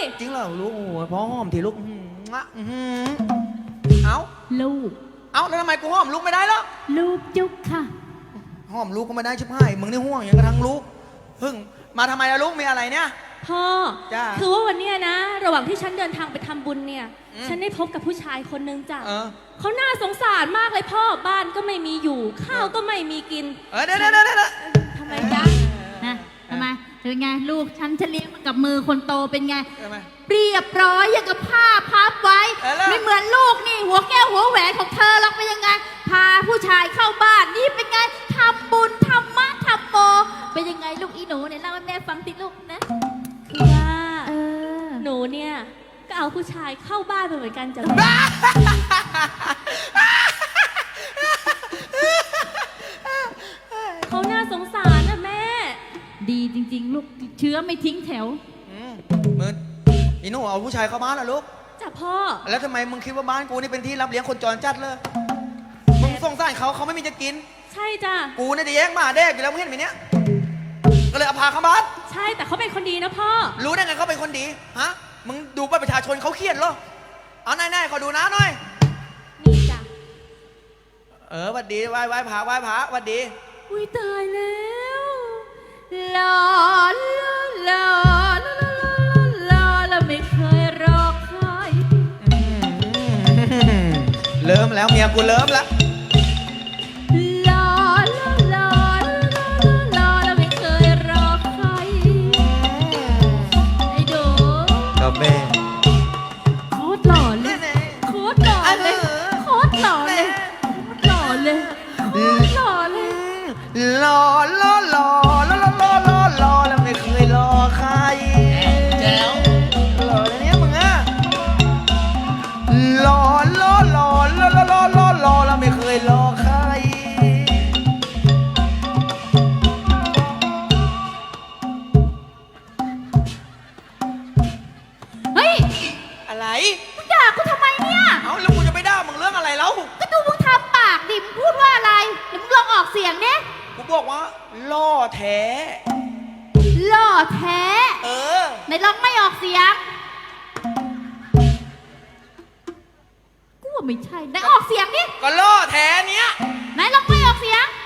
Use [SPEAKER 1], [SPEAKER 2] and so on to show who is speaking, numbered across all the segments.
[SPEAKER 1] จริงเหรอลูกโอ้ยพ่อหอมทีลูกเอ้า
[SPEAKER 2] ลูก
[SPEAKER 1] เอ้าแล้วทำไมกูหอมลูกไม่ได้แล้ว
[SPEAKER 2] ลูกจุ๊บค่ะ
[SPEAKER 1] หอมลูกก็ไม่ได้ชิบหายมึงนี่ห่วงอย่างกระทั่งลูกเพิ่งมาทำไมล่ะลูกมีอะไรเนี่ย
[SPEAKER 3] พ่อ
[SPEAKER 1] จ้า
[SPEAKER 3] คือว่าวันเนี้ยนะ ระหว่างที่ฉันเดินทางไปทำบุญเนี่ย ฉันได้พบกับผู้ชายคนนึงจ้ะ เขาน่าสงสารมากเลยพ่อ บ้านก็ไม่มีอยู่ ข้าวก็ไม่มีกิน
[SPEAKER 1] เดี๋ยว
[SPEAKER 3] ทำไมจ๊ะ
[SPEAKER 2] นะทำไมเป็นไงลูกฉันเลี้ยงมากับมือคนโตเป็นไง
[SPEAKER 1] ทำไม
[SPEAKER 2] เรียบร้อยอย่างกับผ้าพับไว้
[SPEAKER 1] แล้ว
[SPEAKER 2] ไม่เหมือนลูกนี่หัวแก้วหัวแหวนของเธอหรอกเป็นยังไง พาผู้ชายเข้าบ้านนี่เป็นไงทำบุญทำมะทำโมเป็นยังไงลูกอีหนูเนี่ยเล่าให้แม่ฟังติลูกนะ
[SPEAKER 3] คือว่า
[SPEAKER 2] เออ
[SPEAKER 3] หนูเนี่ยก็เอาผู้ชายเข้าบ้านไปเหมือนกันจ้ะ เขาน่าสงสารนะแม่
[SPEAKER 2] ดีจริงๆ ลูกเชื้อไม่ทิ้งแถว
[SPEAKER 1] มึงอีหนูเอาผู้ชายเข้าบ้านเหรอลูก
[SPEAKER 3] จ้ะพ่อ
[SPEAKER 1] แล้วทำไมมึงคิดว่าบ้านกูนี่เป็นที่รับเลี้ยงคนจรจัดเลยมึงสงสารเขาไม่มีจะกิน
[SPEAKER 3] ใช่จ้ะ
[SPEAKER 1] กูเนี่ยจะแย่งหมาแดกอยู่แล้วมึงเห็นไหมเนี่ยก็เลยเอาพาเข้าบ้าน
[SPEAKER 3] ใช่แต่เขาเป็นคนดีนะพ่อ
[SPEAKER 1] รู้ได้ไงเขาเป็นคนดีฮะมึงดูบัตรประชาชนเขาเขียนเหรอเอาไหนๆขอดูนะหน่อย
[SPEAKER 3] นี่จ้ะ
[SPEAKER 1] หวัดดีไหว้พระหวัดดี
[SPEAKER 2] อุ้ยตายแล้วหล่อหล่อหล่อหล่อแล้วไม่เคยรอใคร
[SPEAKER 1] เริ่มแล้วเมียกูเริ่มแล้ว
[SPEAKER 2] หล่อหล่อหล่อแล้วไม่เคยรอใครไอ้โด
[SPEAKER 1] กับแม่
[SPEAKER 2] โคตรหล่อเลยโคตรหล่อเลยโคตรหล่อเลยหล่อเลยโคตรหล่อเลย
[SPEAKER 1] รอแล้วไม่เคยรอใครแจ๋วรอแล้วเนี่ยมึงอะรอแล้วไม่เคยรอใคร
[SPEAKER 2] เฮ้ย
[SPEAKER 1] อะไร
[SPEAKER 2] มึงด่ากูทำไมเนี่ย
[SPEAKER 1] เอาแล้วกูจะไปด่ามึงเรื่องอะไรแล้ว
[SPEAKER 2] ก็ดูมึงทำปากดิมึงพูดว่าอะไรเดี๋ยวมึงลองออกเสียงเนี่ย
[SPEAKER 1] กูบอกว่าล่อแท้
[SPEAKER 2] หล่อแท้
[SPEAKER 1] เออ
[SPEAKER 2] ไหนลองไม่ออกเสียงกูว่าไม่ใช่ไหนออกเสียงดิ
[SPEAKER 1] ก็ล่อแท้เนี้ย
[SPEAKER 2] ไหนลองไม่ออกเสียง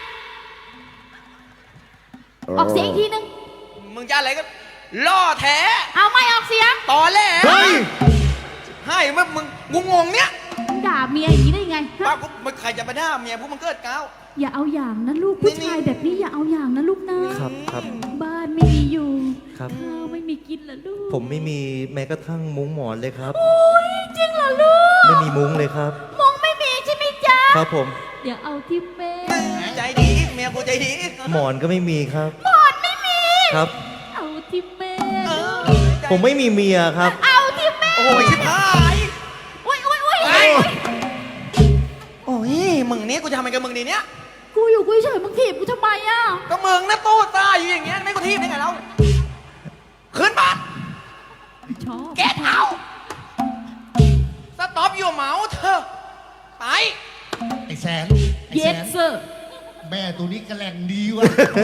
[SPEAKER 2] ออกเสียงอีกทีนึง
[SPEAKER 1] มึงจะอะไรก็ล่อแท้
[SPEAKER 2] เอาไม่ออกเสียง
[SPEAKER 1] ตอแหลให้มึงงงเนี้ย
[SPEAKER 2] มึงด่าเมียอย่างนี้ได้ยังไงฮะ
[SPEAKER 1] ป้ากูมันใครจะไปด่าเมียพวกมันเกิดก้าว
[SPEAKER 2] อย่าเอาอย่างนะลูกผู้ชายแบบนี้อย่าเอาอย่างนะลูกนะครับ บ้านไม่มีอยู่
[SPEAKER 4] ครับ
[SPEAKER 2] ข้าวไม่มีกินเหรอลูก
[SPEAKER 4] ผมไม่มีแม้กระทั่งมุ้งหมอนเลยครับ
[SPEAKER 2] โอ้ยจริงเหรอลูก
[SPEAKER 4] ไม่มีมุ้งเลยครับ
[SPEAKER 2] มงไม่มีใช่ไหมจ๊ะ
[SPEAKER 4] ครับผม
[SPEAKER 2] เดี๋ยวเอาที่เป้
[SPEAKER 1] ใจดีเมียกูใจดี
[SPEAKER 4] หมอนก็ไม่มีครับ
[SPEAKER 2] หมอนไม่มี
[SPEAKER 4] ครับ
[SPEAKER 2] เอาที่เป้
[SPEAKER 4] ผมไม่มีเมียครับ
[SPEAKER 2] เอาที่เป้
[SPEAKER 1] โอ้ยชิบหาย
[SPEAKER 2] อุ้ยอุ้ยอุ้ย
[SPEAKER 1] โอ้ยมึงนี้กูจะทำไงกับมึงดีเนี้ย
[SPEAKER 2] กูอยู่กูเฉยมึงถีบกูทำไมอ่ะ
[SPEAKER 1] ก็มึงนะตู้ตายอยู่อย่างเงี้ยไม่กูทีบได้ไงเราขึ้นบ้าน
[SPEAKER 2] ชอบ
[SPEAKER 1] เก็ตเอาสต็อปอยู่เมาส์เธอไป
[SPEAKER 5] ไอ้แสน
[SPEAKER 2] เย็ดเซอร์
[SPEAKER 5] แม่ตัวนี้กระแหล่งดีวะ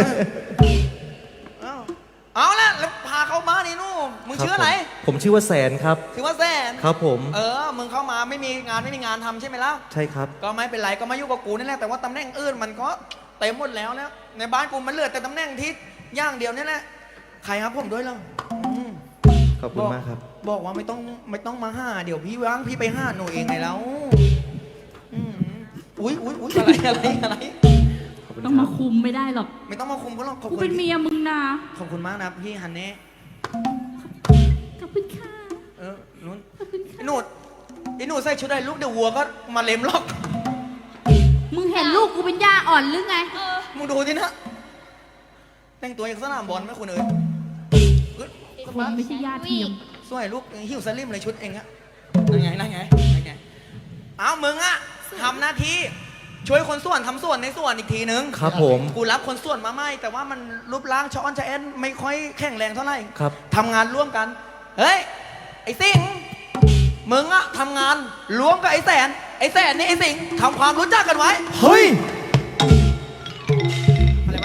[SPEAKER 1] เอาละแล้วพาเข้ามานี่นู่นมึงชื่ออะไร
[SPEAKER 4] ผมชื่อว่าแสนครับ
[SPEAKER 1] ชื่อว่าแซน
[SPEAKER 4] ครับผม
[SPEAKER 1] มึงเข้ามาไม่มีงานทำใช่ไหมล่ะ
[SPEAKER 4] ใช่ครับ
[SPEAKER 1] ก็ไม่เป็นไรก็มาอยู่กับกูนี่แหละแต่ว่าตำแหน่งอื่นมันก็เต็มหมดแล้วนะในบ้านกูมันเหลือแต่ตำแหน่งที่ย่างเดียวนี่แหละใครครับผมด้วยเราอืม
[SPEAKER 4] ขอบคุณมากครับ
[SPEAKER 1] บอกว่าไม่ต้องมาห้าเดี๋ยวพี่ว่างพี่ไปห้าหนูเองไงแล้วอืมอุ๊ยอะไร
[SPEAKER 4] ขอบคุณ
[SPEAKER 2] ต้อง
[SPEAKER 4] ครั
[SPEAKER 2] มา
[SPEAKER 4] บ
[SPEAKER 2] คุมไม่ได้หรอก
[SPEAKER 1] ไม่ต้องมาคุมก็หรอกขอบ
[SPEAKER 2] กู
[SPEAKER 1] คุณ
[SPEAKER 2] เป็นเมียมึงนะ
[SPEAKER 1] ขอบคุณมากนะพี่ฮันเน่
[SPEAKER 2] ขอบคุณค่ะ
[SPEAKER 1] นุ่น
[SPEAKER 2] ขอบคุณค่ะ
[SPEAKER 1] ไอ้หนูใส่ชุดอะไรลูกเดี๋ยววัวก็มาเล็มหรอก
[SPEAKER 2] มึงเห็นลูกกูเป็นย่าอ่อนหรือไง
[SPEAKER 1] มึงดูสินะแต่งตัวอย่างสนามบอลไหมคุณเอ๋ย
[SPEAKER 2] คนไม่ใช่ย่าเทียม
[SPEAKER 1] สวยลูกหิวสลิมเลยชุดเองอะนั่นไงเอามึงอะทำหน้าที่ช่วยคนส่วนทำส่วนในส่วนอีกทีนึง
[SPEAKER 4] ครับผม
[SPEAKER 1] กูรับคนส่วนมาไม่แต่ว่ามันรูปร่างช้อนชะแอนไม่ค่อยแข็งแรงเท่าไหร่
[SPEAKER 4] ครับ
[SPEAKER 1] ทำงานร่วมกันเฮ้ยไอ้สิงห์มึงอะทำงานร่วมกับไอ้แสนนี่ไอ้สิงห์ทำความรู้จักกันไว้
[SPEAKER 4] เฮ้ย
[SPEAKER 1] อะไรวะ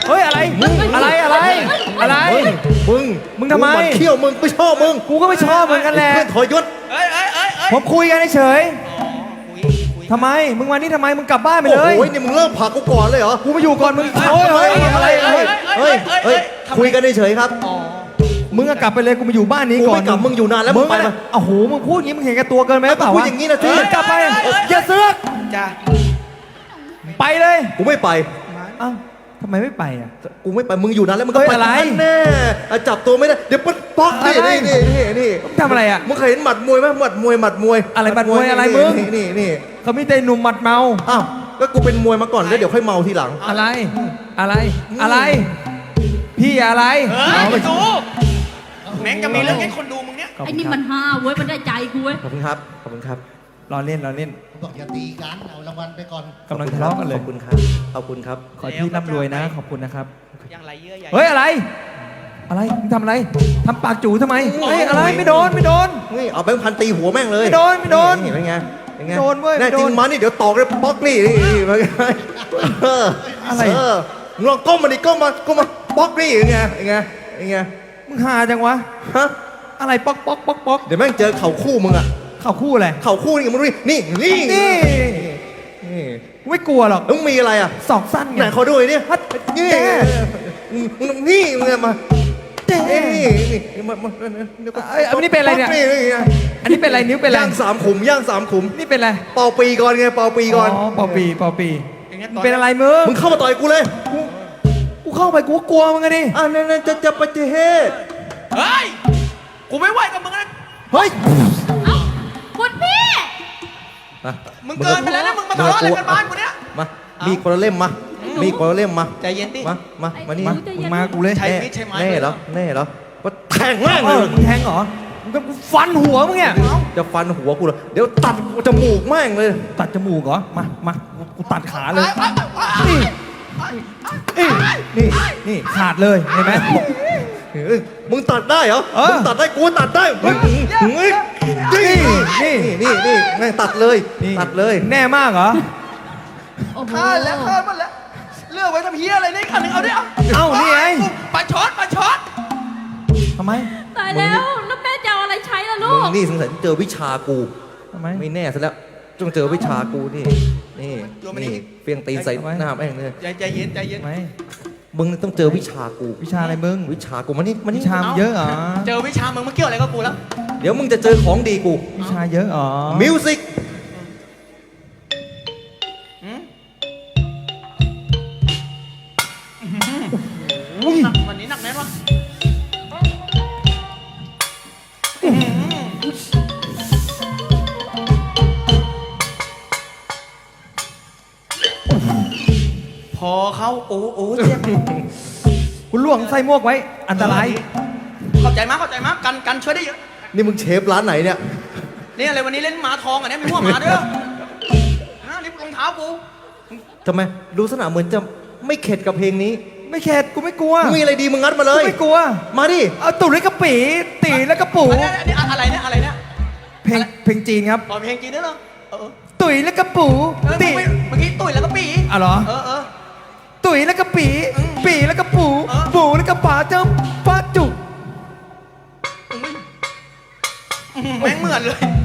[SPEAKER 1] เฮ้ยอะไรอะไรอะไร
[SPEAKER 4] เฮ้ยมึง
[SPEAKER 1] มึงทำไม
[SPEAKER 4] กูนเขี้ยวมึงไม่ชอบมึง
[SPEAKER 1] กูก็ไม่ชอบเหมือนกันแหละ
[SPEAKER 4] เพื่อนถอยยศ
[SPEAKER 1] เอ้ย
[SPEAKER 6] ผมคุยกันเฉย
[SPEAKER 1] คุย
[SPEAKER 6] ทำไมมึงมานี่ทำไมมึงกลับบ้านไป
[SPEAKER 4] โอ้
[SPEAKER 6] เลย
[SPEAKER 4] โหนี่มึงเริ่มผลักกูก่อนเลยเหรอ
[SPEAKER 6] กูมาอยู่ก่อนมึงโอ้ยเฮ้ยอะไร
[SPEAKER 4] เฮ้ยคุยกันเฉยๆครับ
[SPEAKER 6] มึงก็กลับไปเลยกูมาอยู่บ้านนี้
[SPEAKER 4] กู
[SPEAKER 6] ก่อน
[SPEAKER 4] ไม่กลับมึงอยู่นานแล้วมึ
[SPEAKER 6] มึ
[SPEAKER 4] ง
[SPEAKER 6] ง
[SPEAKER 4] ไป
[SPEAKER 6] ไป
[SPEAKER 4] มา
[SPEAKER 6] โอ้โหมึงพูดอย่างนี้มึงเห็นแก่ตัวเกินไหมเปล่า
[SPEAKER 4] พูด
[SPEAKER 6] วะ
[SPEAKER 4] อย่างนี้นะสิ
[SPEAKER 6] มึงกลับไปอย่าเสือก
[SPEAKER 1] จ้า
[SPEAKER 6] ไปเลย
[SPEAKER 4] กูไม่ไป
[SPEAKER 6] เอ้าทำไมไม่ไปอ่ะ
[SPEAKER 4] กูไม่ไปมึงอยู่นานแล้วมึงก็
[SPEAKER 6] เฮ้ย
[SPEAKER 4] ไป
[SPEAKER 6] อะไร
[SPEAKER 4] แน่จับตัวไม่ได้เดี๋ยวปุ๊บป๊อกนี่
[SPEAKER 6] อะไร
[SPEAKER 4] นี่
[SPEAKER 6] มึงทำอะไรอ่ะ
[SPEAKER 4] มึงเคยเห็นหมัดมวยไหมหมัดมวย
[SPEAKER 6] อะไรหมัดมวยอะไรมึง
[SPEAKER 4] นี่
[SPEAKER 6] เขามีแต่หนุ่มหมัดเมา
[SPEAKER 4] อ้าวก็กูเป็นมวยมาก่อนแล้วเดี๋ยวค่อยเมาทีหลัง
[SPEAKER 6] อะไรอะไร พี่อะไร
[SPEAKER 1] เฮ้ยไปดูแม่งจะมีเรื่องให้คนดูมึงเนี้ย
[SPEAKER 6] ขอบ
[SPEAKER 2] ไอ้
[SPEAKER 6] คุณ
[SPEAKER 2] นี่
[SPEAKER 6] ครับ
[SPEAKER 2] มันห้าเว้ยมันได้ใจกูเว้ย
[SPEAKER 4] ขอบคุณครับขอบคุณครับ
[SPEAKER 6] รอเล่น
[SPEAKER 5] บอกอย่าตีกัน เอารางวัลไปก่อน
[SPEAKER 6] กำลังทะเลาะกันเลย
[SPEAKER 4] ขอบคุณครับขอบคุณครับ
[SPEAKER 6] ขอให้พี่ร่ำรวยนะขอบคุณนะครับ
[SPEAKER 1] ยังไรเยื่อใหญ่
[SPEAKER 6] เฮ้ยอะไรมึงทำอะไรทำปากจู่ทำไมเฮ้ยอะไรไม่โดน
[SPEAKER 4] นี่เอาแบงค์พันตีหัวแม่งเลย
[SPEAKER 6] ไม่โดน
[SPEAKER 4] นี่เป็นไงเป็นไง
[SPEAKER 6] โดนเว้ย
[SPEAKER 4] แน่
[SPEAKER 6] ไม่โด
[SPEAKER 4] จริ
[SPEAKER 6] น
[SPEAKER 4] งมานี่เดี๋ยวตอกเลยป๊อกนี่เป็นไงอะไรมึงลองก้มมาดิก้มมาป๊อกนี่เป็นไงเป็นไง
[SPEAKER 6] มึงหาจังวะ
[SPEAKER 4] ฮะ
[SPEAKER 6] อะไรป๊อก
[SPEAKER 4] เดี๋ยวแม่งเจอเข่าคู่มึงอะ
[SPEAKER 6] เข่าคู่อะไร
[SPEAKER 4] เข่าคู่นี่มึงดูดินี่
[SPEAKER 6] นี่ไม่กลัวหรอก
[SPEAKER 4] มึงมีอะไรอะ
[SPEAKER 6] ศอกสั้นไง
[SPEAKER 4] ไหนขอดูหน่อยดินี่
[SPEAKER 6] แก
[SPEAKER 4] นี่มึงมา
[SPEAKER 6] เจ๊
[SPEAKER 4] นี่มาเดี๋ยวก็
[SPEAKER 6] อันนี้เป็นอะไรเนี่ยอันนี้เป็นอะไรนิ้วเป็นอะไร
[SPEAKER 4] ย่าง3 ขุมย่าง3 ขุม
[SPEAKER 6] นี่เป็นอะไร
[SPEAKER 4] เป่าปีก่อนไงเป่าปีก่อน
[SPEAKER 6] อ๋อปอปี
[SPEAKER 1] อย่างเงี้ย
[SPEAKER 6] มึงเป็นอะไรมึง
[SPEAKER 4] มึงเข้ามาต่อยกูเลย
[SPEAKER 6] กูเข้าไปกูก็กลัวมึงไงดิ
[SPEAKER 4] นั่นจะปฏิเหตุ
[SPEAKER 1] เฮ้ยกูไม่ไหวกับมึงนะ
[SPEAKER 6] เฮ้ย
[SPEAKER 2] เอ้าคุณพี่
[SPEAKER 1] มึงเกินไปแล้วนะมึงมาทะเลาะอะไรกันบ้านกูเนี้ย
[SPEAKER 4] มามีคนละเล่มมามีคนละเล่มมา
[SPEAKER 1] ใจเย็นดิ
[SPEAKER 4] มานี่
[SPEAKER 6] มามึงมากูเลย
[SPEAKER 1] ใช้มีดใช้ไม้
[SPEAKER 4] แน่เหรอว่าแทงแม่ง
[SPEAKER 6] เอ
[SPEAKER 4] เล
[SPEAKER 6] อย มึงแทงเหรอมึงก็ฟันหัวมึงเนี่ย
[SPEAKER 4] จะฟันหัวกูเหรอเดี๋ยวตัดจมูกแม่งเลย
[SPEAKER 6] ตัดจมูกเหรอมากูตัดขาเลย นี่ขาดเลยเห็นไหม
[SPEAKER 4] มึงตัดได้เหรอ
[SPEAKER 6] เออ
[SPEAKER 4] มึงตัดได้กูตัดได้นี่แม่งตัดเลย
[SPEAKER 6] นี่
[SPEAKER 4] ตัดเลย
[SPEAKER 6] แน่มากเหรอ
[SPEAKER 2] โอ้โห
[SPEAKER 1] ฆ่าแล้วฆ่าหมดแล้วเลือกไว้ทำเฮียอะไรนี่ขันหนึ่งเอาดิเอา
[SPEAKER 6] เอ้านี่ไง
[SPEAKER 1] ปลาช็อต
[SPEAKER 6] ทำไม
[SPEAKER 2] ตายแล้วแล้วแม่จะเอาอะไรใช้ล่ะลู
[SPEAKER 4] มึ
[SPEAKER 2] ก
[SPEAKER 4] งนี่สงสัยเจอวิชากู
[SPEAKER 6] ทำไม
[SPEAKER 4] ไม่แน่ซะแล้วจงเจอวิชากูนี่เฟียงตีนใส่หน้าแม่งเลย
[SPEAKER 1] ใจเย็น
[SPEAKER 6] ทำไม
[SPEAKER 4] มึงต้องเจอวิชากู
[SPEAKER 6] วิชาอะไรมึง
[SPEAKER 4] วิชากูมานี่
[SPEAKER 6] วิชามันเยอะเหรอ
[SPEAKER 1] เจอวิชามึงมาเกี่ยวอะไรกับกูแล้ว
[SPEAKER 4] เดี๋ยวมึงจะเจอของดีกู
[SPEAKER 6] วิชาเยอะเหรอ
[SPEAKER 4] มิวสิก
[SPEAKER 1] วันนี้หนักแน่นวะพอเขาโอ้เจ็บ
[SPEAKER 6] คุณล่วงใส่หมวกไว้ อันตราย
[SPEAKER 1] เข้าใจมากกันช่วยได้เยอะ
[SPEAKER 4] นี่มึงเชฟร้านไหนเนี่ย
[SPEAKER 1] นี่อะไรวันนี้เล่นหมาทองอ่ะเนี่ยมีหัวหมาด้วยนี่รองเท้ากู
[SPEAKER 4] ทำไมรู้สนาเหมือนจะไม่เข็ดกับเพลงนี้
[SPEAKER 6] ไม่เข็ดกูไม่กลัว
[SPEAKER 4] มึงมีอะไรดีมึงงัดมาเล
[SPEAKER 6] กู
[SPEAKER 4] ย
[SPEAKER 6] ไม่กลัว
[SPEAKER 4] มาดิ
[SPEAKER 6] เอาตุ๋ยและกระปีตีและกระปู
[SPEAKER 1] อันนี้อะไรเนี่ย
[SPEAKER 6] เพลงจีนครับ
[SPEAKER 1] อ๋อเพลงจีนด้วยเหรอเออ
[SPEAKER 6] ตุ๋ยและกระปู
[SPEAKER 1] ตี
[SPEAKER 6] ตี
[SPEAKER 1] เมื่อกี้ตุ๋ยแล้วก็ปี
[SPEAKER 6] อ่ะเหรอ
[SPEAKER 1] เออ
[SPEAKER 6] ตุ๋ยและกระปีปีและกระปู
[SPEAKER 1] เออ
[SPEAKER 6] ปูและกระป๋าเจ้าป้าจุก
[SPEAKER 1] แม่งเหมือนเลย